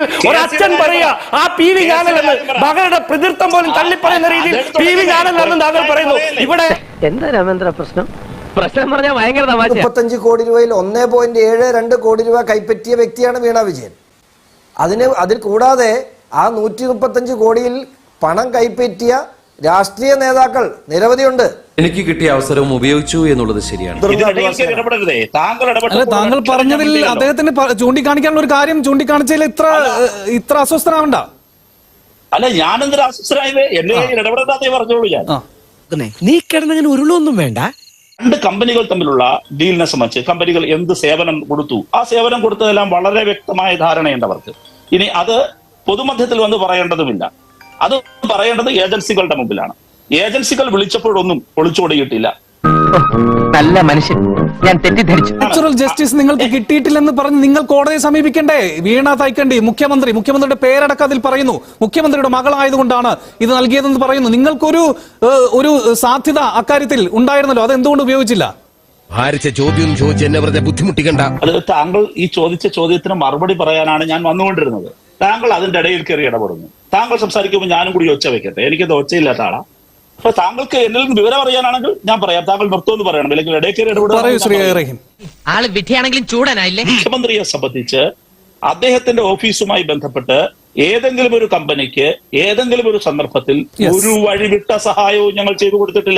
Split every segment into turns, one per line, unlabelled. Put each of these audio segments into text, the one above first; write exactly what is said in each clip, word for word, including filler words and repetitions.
ഒരച്ഛൻ പറയാ ആ പി വി ഞാനല്ലെന്ന് മകളുടെ പിതൃത്വം പോലും തള്ളിപ്പറയുന്ന രീതിയിൽ പി വി ഞാനല്ലെന്ന് താങ്കൾ പറയുന്നു. ഇവിടെ
എന്താ രാമേന്ദ്ര പ്രശ്നം? പ്രശ്നം പറഞ്ഞാൽ ഭയങ്കര തമാശ.
മുപ്പത്തഞ്ച് കോടി രൂപയിൽ ഒന്നേ പോയിന്റ് ഏഴ് രണ്ട് കോടി രൂപ കൈപ്പറ്റിയ വ്യക്തിയാണ് വീണ വിജയൻ. അതിന് അതിൽ കൂടാതെ ആ നൂറ്റി മുപ്പത്തഞ്ച് കോടിയിൽ പണം കൈപ്പറ്റിയ രാഷ്ട്രീയ നേതാക്കൾ നിരവധിയുണ്ട്.
എനിക്ക് കിട്ടിയ അവസരവും ഉപയോഗിച്ചു എന്നുള്ളത് ശരിയാണ്.
അല്ല, താങ്കൾ പറഞ്ഞതിൽ അദ്ദേഹത്തിന് ചൂണ്ടിക്കാണിക്കാനുള്ള ഒരു കാര്യം ചൂണ്ടിക്കാണിച്ചതിൽ ഇത്ര ഇത്ര അസ്വസ്ഥനാവണ്ട.
അല്ല, ഞാനെന്തൊരു അസ്വസ്ഥനായത് എന്നെ ഇടപെടാതെ പറഞ്ഞോളൂ. ഞാൻ
നീ കിടന്നങ്ങനെ ഉരുളൊന്നും വേണ്ട.
രണ്ട് കമ്പനികൾ തമ്മിലുള്ള ഡീലിനെ സംബന്ധിച്ച് കമ്പനികൾ എന്ത് സേവനം കൊടുത്തു, ആ സേവനം കൊടുത്തതെല്ലാം വളരെ വ്യക്തമായ ധാരണയുണ്ട് അവർക്ക്. ഇനി അത് പൊതുമധ്യത്തിൽ വന്ന് പറയേണ്ടതുമില്ല. അത് പറയേണ്ടത് ഏജൻസികളുടെ മുമ്പിലാണ്. ഏജൻസികൾ വിളിച്ചപ്പോഴൊന്നും ഒളിച്ചോടിയിട്ടില്ല.
നല്ല മനുഷ്യൻ, ഞാൻ തെറ്റിദ്ധരിച്ചു.
നാച്ചുറൽ ജസ്റ്റിസ് നിങ്ങൾക്ക് കിട്ടിയിട്ടില്ലെന്ന് പറഞ്ഞ് നിങ്ങൾ കോടതിയെ സമീപിക്കണ്ടേ? വീണ തൈക്കണ്ടി മുഖ്യമന്ത്രി, മുഖ്യമന്ത്രിയുടെ പേരടക്കം അതിൽ പറയുന്നു. മുഖ്യമന്ത്രിയുടെ മകളായതുകൊണ്ടാണ് ഇത് നൽകിയതെന്ന് പറയുന്നു. നിങ്ങൾക്കൊരു ഒരു സാധ്യത അക്കാര്യത്തിൽ ഉണ്ടായിരുന്നല്ലോ, അത് എന്തുകൊണ്ട് ഉപയോഗിച്ചില്ല?
ഭാരിച്ച ചോദ്യം ചോദിച്ച് എന്നെ വെറുതെ ബുദ്ധിമുട്ടിക്കണ്ട.
അത് താങ്കൾ ഈ ചോദിച്ച ചോദ്യത്തിന് മറുപടി പറയാനാണ് ഞാൻ വന്നുകൊണ്ടിരുന്നത്. താങ്കൾ അതിന്റെ ഇടയിൽ കയറി ഇടപെടുന്നു. താങ്കൾ സംസാരിക്കുമ്പോൾ ഞാനും കൂടി ഒച്ച വെക്കട്ടെ. എനിക്കത് ഒച്ചയില്ലാത്ത ആളാ. അപ്പൊ താങ്കൾക്ക് എന്നിൽ നിന്ന് വിവരം അറിയാനാണെങ്കിൽ ഞാൻ പറയാം. താങ്കൾ നിർത്തുമെന്ന് പറയണം, അല്ലെങ്കിൽ ഇടയിൽ കയറി ഇടപെടും.
ആള് വിധിയാണെങ്കിലും ചൂടനായില്ലേ?
മുഖ്യമന്ത്രിയെ സംബന്ധിച്ച് അദ്ദേഹത്തിന്റെ ഓഫീസുമായി ബന്ധപ്പെട്ട് ഏതെങ്കിലും ഒരു കമ്പനിക്ക് ഏതെങ്കിലും ഒരു സന്ദർഭത്തിൽ ഒരു വഴിവിട്ട സഹായവും ഞങ്ങൾ ചെയ്തു കൊടുത്തിട്ടില്ല.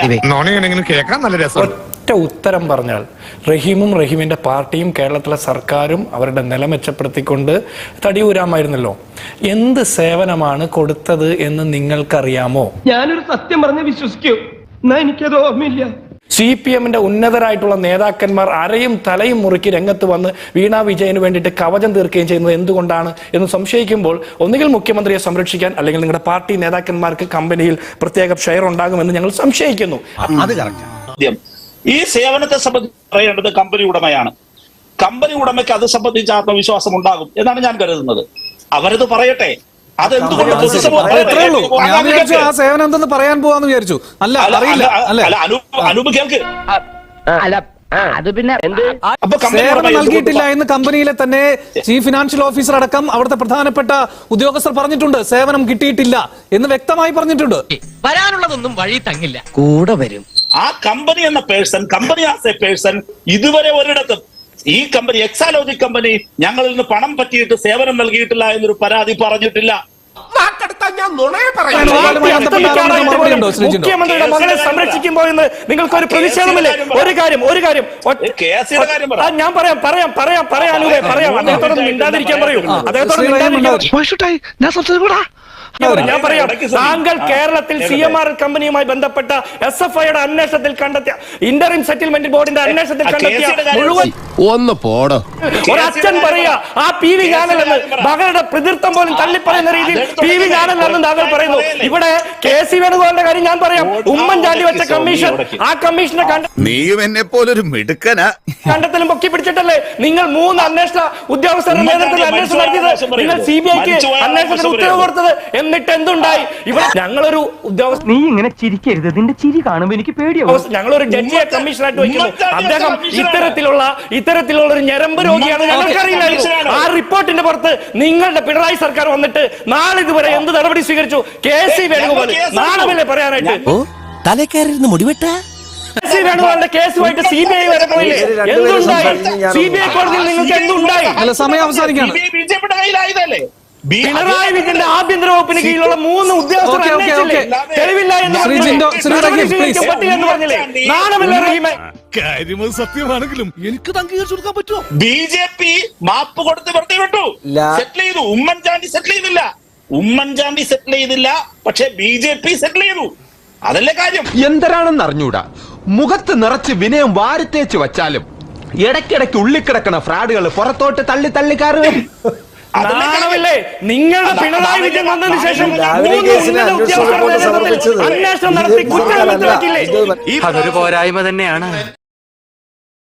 ഒറ്റ ഉത്തരം പറഞ്ഞാൽ റഹീമും റഹീമിന്റെ പാർട്ടിയും കേരളത്തിലെ സർക്കാരും അവരുടെ നില മെച്ചപ്പെടുത്തിക്കൊണ്ട് തടിയൂരാമായിരുന്നല്ലോ. എന്ത് സേവനമാണ് കൊടുത്തത് എന്ന് നിങ്ങൾക്കറിയാമോ?
ഞാനൊരു സത്യം പറഞ്ഞ് വിശ്വസിക്കൂ, എന്നാ എനിക്കത് ഓർമ്മയില്ല.
സി പി എമ്മിന്റെ ഉന്നതരായിട്ടുള്ള നേതാക്കന്മാർ അരയും തലയും മുറുക്കി രംഗത്ത് വന്ന് വീണ വിജയന് വേണ്ടിയിട്ട് കവചം തീർക്കുകയും ചെയ്യുന്നത് എന്തുകൊണ്ടാണ് എന്ന് സംശയിക്കുമ്പോൾ ഒന്നുകിൽ മുഖ്യമന്ത്രിയെ സംരക്ഷിക്കാൻ, അല്ലെങ്കിൽ നിങ്ങളുടെ പാർട്ടി നേതാക്കന്മാർക്ക് കമ്പനിയിൽ പ്രത്യേക ഷെയർ ഉണ്ടാകുമെന്ന് ഞങ്ങൾ സംശയിക്കുന്നു.
ഈ സേവനത്തെ സംബന്ധിച്ച് പറയേണ്ടത് കമ്പനി ഉടമയാണ്. കമ്പനി ഉടമയ്ക്ക് അത് സംബന്ധിച്ച് ആത്മവിശ്വാസം ഉണ്ടാകും എന്നാണ് ഞാൻ കരുതുന്നത്. അവരത് പറയട്ടെ. അതെന്തുകൊണ്ട്
ആ സേവനം എന്തെന്ന് പറയാൻ പോവാന്ന് വിചാരിച്ചു. അല്ല, അറിയില്ല.
അനൂപ് കേൾക്ക്,
അത് പിന്നെ
സേവനം നൽകിയിട്ടില്ല എന്ന് കമ്പനിയിലെ തന്നെ ചീഫ് ഫിനാൻഷ്യൽ ഓഫീസർ അടക്കം അവിടുത്തെ പ്രധാനപ്പെട്ട ഉദ്യോഗസ്ഥർ പറഞ്ഞിട്ടുണ്ട്. സേവനം കിട്ടിയിട്ടില്ല എന്ന് വ്യക്തമായി പറഞ്ഞിട്ടുണ്ട്.
വരാനുള്ളതൊന്നും വഴി തങ്ങില്ല, കൂടെ വരും.
ആ കമ്പനി എന്ന person, company as a person ഇതുവരെ ഒരിടത്തും ഈ കമ്പനി എക്സാലോജിക് കമ്പനി ഞങ്ങളിൽ നിന്ന് പണം പറ്റിയിട്ട് സേവനം നൽകിയിട്ടില്ല എന്നൊരു പരാതി പറഞ്ഞിട്ടില്ല.
മുഖ്യമന്ത്രിയുടെ മകളെ സംരക്ഷിക്കുമ്പോൾ എന്ന് നിങ്ങൾക്ക് ഒരു പ്രതിഷേധമില്ലേ? ഒരു കാര്യം ഒരു കാര്യം ഞാൻ പറയാം പറയാം പറയാം പറയാം പറയാം അദ്ദേഹത്തോട് മിണ്ടാതിരിക്കാൻ പറയൂ. അദ്ദേഹത്തോട് ഞാൻ പറയാം, താങ്കൾ കേരളത്തിൽ സി എം ആർ കമ്പനിയുമായി ബന്ധപ്പെട്ട എസ് എഫ് ഐയുടെ അന്വേഷണത്തിൽ കണ്ടെത്തിയ ഇന്ററിം സെറ്റിൽമെന്റ് ബോർഡിന്റെ അന്വേഷണത്തിൽ കണ്ടെത്തിയ മുഴുവൻ
ഒന്ന് പോടോ.
ഒരച്ഛൻ പറയാ ആ പി വി ഞാനല്ലെന്ന് മകളുടെ പിതൃത്വം പോലും തള്ളിപ്പറയുന്ന രീതിയിൽ പി വി ഞാനല്ലെന്ന് താങ്കൾ പറയുന്നു. ഇവിടെ കെ സി വേണുഗോപാലിന്റെ കാര്യം ഞാൻ പറയാം. ഉമ്മൻചാണ്ടി വെച്ച കമ്മീഷൻ, ആ കമ്മീഷനെ
നീയും എന്നെ പോലൊരു മിടുക്കനാ
കണ്ടെത്തലും പൊക്കി പിടിച്ചിട്ടല്ലേ നിങ്ങൾ മൂന്ന് അന്വേഷണ ഉദ്യോഗസ്ഥരുടെ നേതൃത്വത്തിൽ അന്വേഷണം നടത്തിയത്? നിങ്ങൾ സി ബി ഐക്ക് അന്വേഷണത്തിന് ഉത്തരവ് കൊടുത്തത്. എന്നിട്ട് എന്തുണ്ടായി? ഇവിടെ ഞങ്ങളൊരു ഉദ്യോഗസ്ഥ,
നീ ഇങ്ങനെ ചിരിക്കരുത്, നിന്റെ ചിരി കാണുമ്പോ എനിക്ക് പേടിയാവും.
ഞങ്ങളൊരു ജഡ്ജിയെ കമ്മീഷനായിട്ട് വയ്ക്കുന്നു. അദ്ദേഹം ഇത്തരത്തിലുള്ള ഇത്തരത്തിലുള്ള ഒരു ഞരമ്പ് രോഗിയാണ് ഞങ്ങൾക്കറിയില്ലായിരുന്നു. ആ റിപ്പോർട്ടിന്റെ പുറത്ത് നിങ്ങളുടെ പിണറായി സർക്കാർ വന്നിട്ട് നാളിതുവരെ എന്ത് നടപടി സ്വീകരിച്ചു? കെ സി വേണുഗോപാൽ നാണമല്ലേ പറയാനായിട്ട്?
തലക്കേറിരുന്ന് മുടിവെട്ട
സി വേണുഗോപാലിന്റെ കേസുമായിട്ട് സി ബി ഐ വരെ പോയില്ലേ? എന്തുണ്ടായി? സി ബി ഐ കോടതിയിൽ നിങ്ങൾക്ക് എന്തുണ്ടായി?
സമയം അവസാനിക്കാണ്.
പിണറായി വിജയന്റെ ആഭ്യന്തര വകുപ്പിന് കീഴിലുള്ള മൂന്ന് ഉദ്യോഗസ്ഥർ തെളിവില്ല എന്ന് പറഞ്ഞില്ലേ? നാണമല്ലേ റഹീമേ?
സത്യമാണെങ്കിലും എനിക്ക് അംഗീകരിച്ചു കൊടുക്കാൻ പറ്റുമോ?
ബി ജെ പി മാപ്പ് കൊടുത്ത് വെറുതെ വിട്ടു, സെറ്റിൽ ചെയ്തു. ഉമ്മൻചാണ്ടി സെറ്റിൽ ചെയ്തില്ല. ഉമ്മൻചാണ്ടി സെറ്റിൽ ചെയ്തില്ല, പക്ഷെ ബി ജെ പി സെറ്റിൽ ചെയ്തു. അതല്ലേ കാര്യം.
എന്തരാണെന്ന് അറിഞ്ഞൂടാ. മുഖത്ത് നിറച്ച് വിനയം വാരിത്തേച്ച് വച്ചാലും ഇടയ്ക്കിടയ്ക്ക് ഉള്ളിക്കിടക്കണ ഫ്രാഡുകൾ പുറത്തോട്ട് തള്ളി തള്ളി കയറും.
നാണമില്ലേ? നിങ്ങളുടെ പിണറായി വിജയൻ വന്നതിന് ശേഷം അന്വേഷണം നടത്തി കുറ്റം
അതൊരു പോരായ്മ തന്നെയാണ്.